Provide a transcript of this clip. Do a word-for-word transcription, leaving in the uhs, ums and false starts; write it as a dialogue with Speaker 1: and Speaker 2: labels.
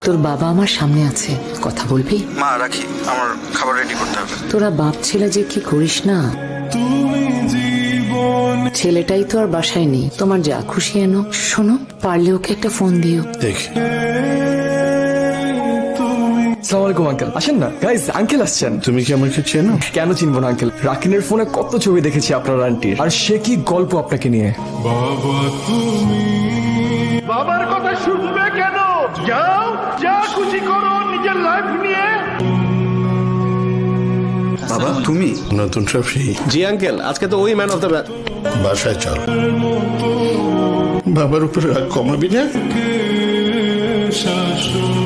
Speaker 1: তোর বাবা আমার সামনে আছে, কথা বলবি?
Speaker 2: মা রাখি, আমার খাবার রেডি করতে হবে।
Speaker 1: তোরা বাপ ছেলে যে কি করিস না। ছেলেটাই তো আর বাসায় নেই, তোমার যা খুশি এনো। শোনো, পারলে ওকে একটা ফোন দিও।
Speaker 3: দেখ
Speaker 4: আসসালামু আলাইকুম আঙ্কেল, আসেন না। গাইস, আঙ্কেল আসছেন।
Speaker 3: তুমি কি আমাকে চেনো?
Speaker 4: কেন চিনবো না আঙ্কেল, রাকিনের ফোনে কত ছবি দেখেছি আপনার আন্টির, আর সে কি গল্প আপনাকে নিয়ে।
Speaker 5: বাবার কথা শুনবে কেন? যাও, যা খুশি করো নিজের লাইফ নিয়ে।
Speaker 2: বাবা তুমি
Speaker 3: নতুন ট্রফি।
Speaker 6: জি আঙ্কেল, আজকে তো ওই ম্যান অফ দ্য ম্যাচ।
Speaker 3: বাসায় চল। বাবার উপরে রাগ কমাবি না।